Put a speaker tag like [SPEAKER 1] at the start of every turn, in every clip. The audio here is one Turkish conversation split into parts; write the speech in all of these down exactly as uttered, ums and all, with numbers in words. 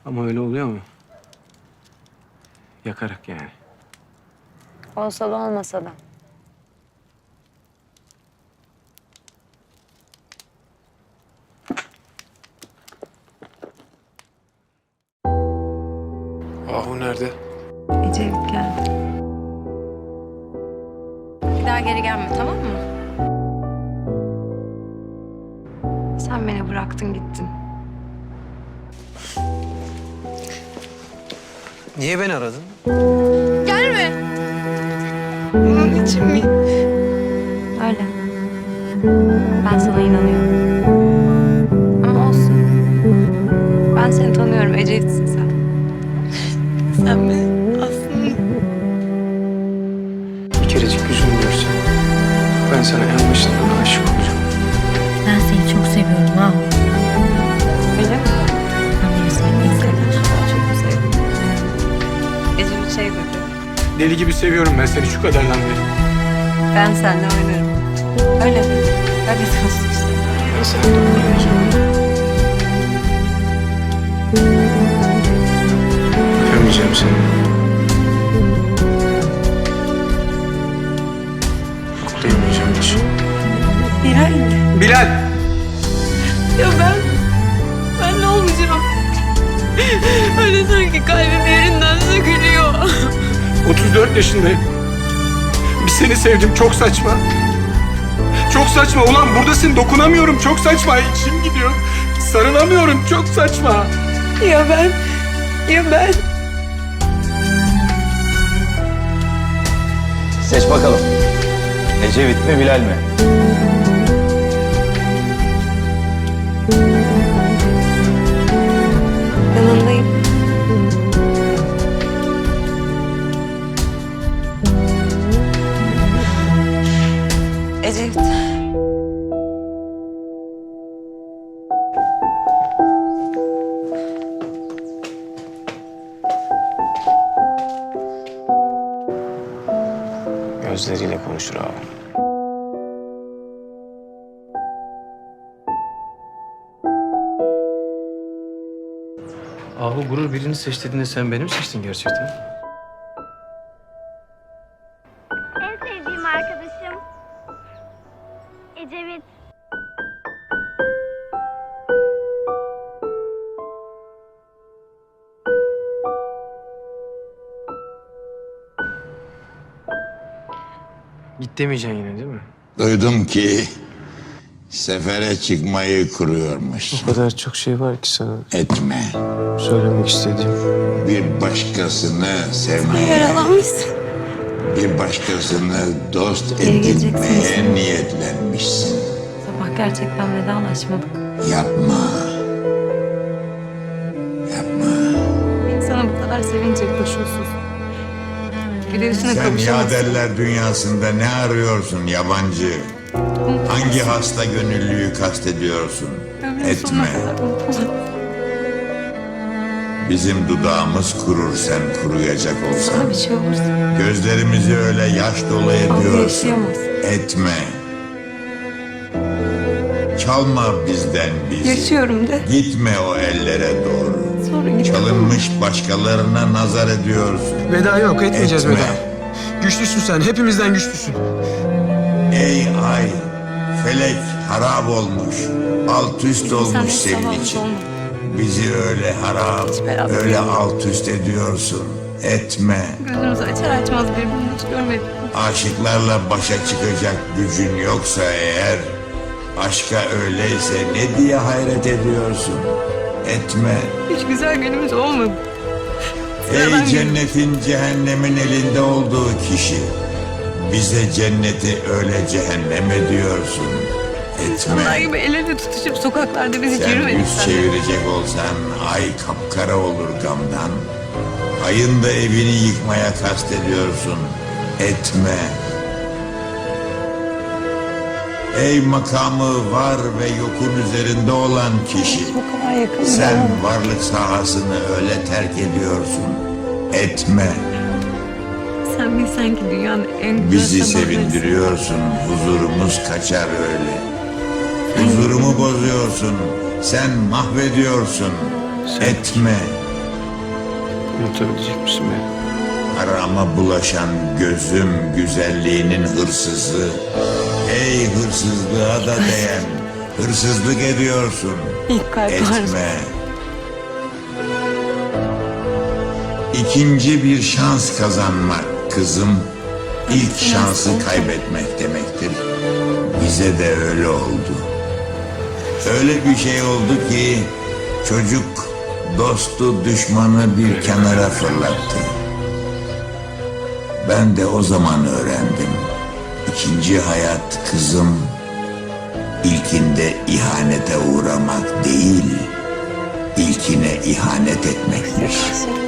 [SPEAKER 1] Ama öyle oluyor mu? Yakarak yani.
[SPEAKER 2] Olsa da olmasa da.
[SPEAKER 1] Ahu nerede?
[SPEAKER 2] Ecevit geldi. Bir daha geri gelme, tamam mı? Sen beni bıraktın gittin.
[SPEAKER 1] Niye beni aradın?
[SPEAKER 2] Gelme. Bunun için mi? Öyle. Ben sana inanıyorum. Ama olsun. Ben seni tanıyorum. Ecevit'sin sen. Sen mi? Aslında.
[SPEAKER 1] Bir kerecik yüzünü görsem ben sana en başından aşık olacağım.
[SPEAKER 3] Ben seni çok seviyorum Ahu.
[SPEAKER 2] Öyle mi?
[SPEAKER 3] Annemi sevmeyi kadar.
[SPEAKER 2] Çok sevdim. Ecevit şey dedi.
[SPEAKER 1] Deli gibi seviyorum ben seni şu kadardan beri.
[SPEAKER 2] Ben seninle oynarım. Öyle mi? Öyle diyorsun işte.
[SPEAKER 1] Ben sana dokunamayacağım. Öpemeyeceğim seni. Koklayamayacağım hiç.
[SPEAKER 2] Bilal.
[SPEAKER 1] Bilal!
[SPEAKER 2] Ya ben, ben ne olmayacağım? Öyle sanki kalbim yerinden sökülüyor.
[SPEAKER 1] otuz dört yaşındayım. Bir seni sevdim, çok saçma. Çok saçma ulan, buradasın, dokunamıyorum, çok saçma. İçim gidiyor, sarılamıyorum, çok saçma.
[SPEAKER 2] Ya ben, ya ben.
[SPEAKER 4] Seç bakalım. Ecevit mi, Bilal mi?
[SPEAKER 2] Yanındayım. Ecevit.
[SPEAKER 1] Gözleriyle konuşur abi. Ahu gurur birini seç dediğinde sen beni mi seçtin gerçekten?
[SPEAKER 5] En sevdiğim arkadaşım Ecevit.
[SPEAKER 1] Git demeyeceksin yine değil mi?
[SPEAKER 6] Duydum ki sefere çıkmayı kuruyormuş.
[SPEAKER 1] O kadar çok şey var ki sana
[SPEAKER 6] Etme.
[SPEAKER 1] söylemek istediğim.
[SPEAKER 6] Bir başkasını sevmeye,
[SPEAKER 2] Yaralanmışsın.
[SPEAKER 6] bir başkasını dost
[SPEAKER 2] Geri geleceksin
[SPEAKER 6] edinmeye
[SPEAKER 2] sen.
[SPEAKER 6] niyetlenmişsin.
[SPEAKER 2] Sabah gerçekten vedalaşmadık.
[SPEAKER 6] Yapma. Yapma.
[SPEAKER 2] İnsana bu kadar sevince koşulsuz. Bir de üstüne
[SPEAKER 6] Sen
[SPEAKER 2] kavuşamazsın.
[SPEAKER 6] yaderler dünyasında ne arıyorsun yabancı? Hangi hasta gönüllüyü kastediyorsun?
[SPEAKER 2] Ömrün
[SPEAKER 6] Etme.
[SPEAKER 2] sonuna kadar unutamam.
[SPEAKER 6] Bizim dudağımız kurur sen kuruyacak olsan.
[SPEAKER 2] Sana bir şey olursa
[SPEAKER 6] Gözlerimizi öyle yaş dolu ediyorsun.
[SPEAKER 2] yaşayamaz.
[SPEAKER 6] Etme. Çalma bizden bizi.
[SPEAKER 2] yaşıyorum de.
[SPEAKER 6] Gitme o ellere doğru.
[SPEAKER 2] Sonra git.
[SPEAKER 6] Çalınmış başkalarına nazar ediyorsun.
[SPEAKER 1] Veda yok, etmeyeceğiz
[SPEAKER 6] Etme.
[SPEAKER 1] veda. Güçlüsün sen, hepimizden güçlüsün.
[SPEAKER 6] Ey ay, felek harap olmuş. Alt üst
[SPEAKER 2] Bizim
[SPEAKER 6] olmuş
[SPEAKER 2] seninle
[SPEAKER 6] senin
[SPEAKER 2] sabahımız
[SPEAKER 6] için.
[SPEAKER 2] olmadı.
[SPEAKER 6] Bizi öyle harap,
[SPEAKER 2] Hiç beraber
[SPEAKER 6] öyle
[SPEAKER 2] olmadık.
[SPEAKER 6] alt üst ediyorsun. Etme.
[SPEAKER 2] Gözümüzü açar açmaz birbirini hiç görmedik.
[SPEAKER 6] Aşıklarla başa çıkacak gücün yoksa eğer, aşka öyleyse ne diye hayret ediyorsun? Etme.
[SPEAKER 2] Hiç güzel günümüz olmadı. Sıradan
[SPEAKER 6] Ey
[SPEAKER 2] gün.
[SPEAKER 6] cennetin cehennemin elinde olduğu kişi, bize cenneti öyle cehennem ediyorsun.
[SPEAKER 2] Onlar
[SPEAKER 6] Etme.
[SPEAKER 2] gibi el ele tutuşup sokaklarda biz hiç
[SPEAKER 6] Sen
[SPEAKER 2] yürümedik
[SPEAKER 6] yüz
[SPEAKER 2] seninle.
[SPEAKER 6] çevirecek olsan ay kapkara olur gamdan. Ayın da evini yıkmaya kastediyorsun. Etme. Ey makamı var ve yokun üzerinde olan kişi.
[SPEAKER 2] Bu kadar yakın bir
[SPEAKER 6] Sen
[SPEAKER 2] adam.
[SPEAKER 6] varlık sahasını öyle terk ediyorsun. Etme.
[SPEAKER 2] Sen bilsen ki dünyanın en güzel
[SPEAKER 6] Bizi
[SPEAKER 2] sabahları.
[SPEAKER 6] sevindiriyorsun. Huzurumuz kaçar öyle. Huzurumu bozuyorsun. Sen mahvediyorsun. Etme.
[SPEAKER 1] Unutabilecek misin beni?
[SPEAKER 6] Arama bulaşan gözüm güzelliğinin hırsızı. Ey hırsızlığa da değen, hırsızlık ediyorsun.
[SPEAKER 2] İlk kalp ağrısı.
[SPEAKER 6] Etme. İkinci bir şans kazanmak kızım, ilk şansı kaybetmek demektir. Bize de öyle oldu. Öyle bir şey oldu ki çocuk dostu düşmanı bir kenara fırlattı. Ben de o zaman öğrendim. İkinci hayat kızım, ilkinde ihanete uğramak değil, ilkine ihanet etmektir.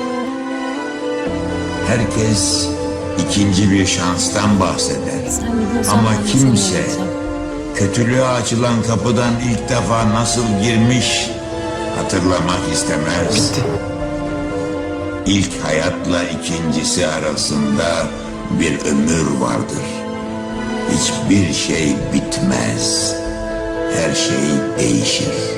[SPEAKER 6] Herkes ikinci bir şanstan bahseder.
[SPEAKER 3] Sen biliyorsan
[SPEAKER 6] Ama
[SPEAKER 3] ben de seni
[SPEAKER 6] kimse
[SPEAKER 3] öldüreceğim.
[SPEAKER 6] kötülüğe açılan kapıdan ilk defa nasıl girmiş hatırlamak istemez.
[SPEAKER 1] Bitti.
[SPEAKER 6] İlk hayatla ikincisi arasında bir ömür vardır. Hiçbir şey bitmez. Her şey değişir.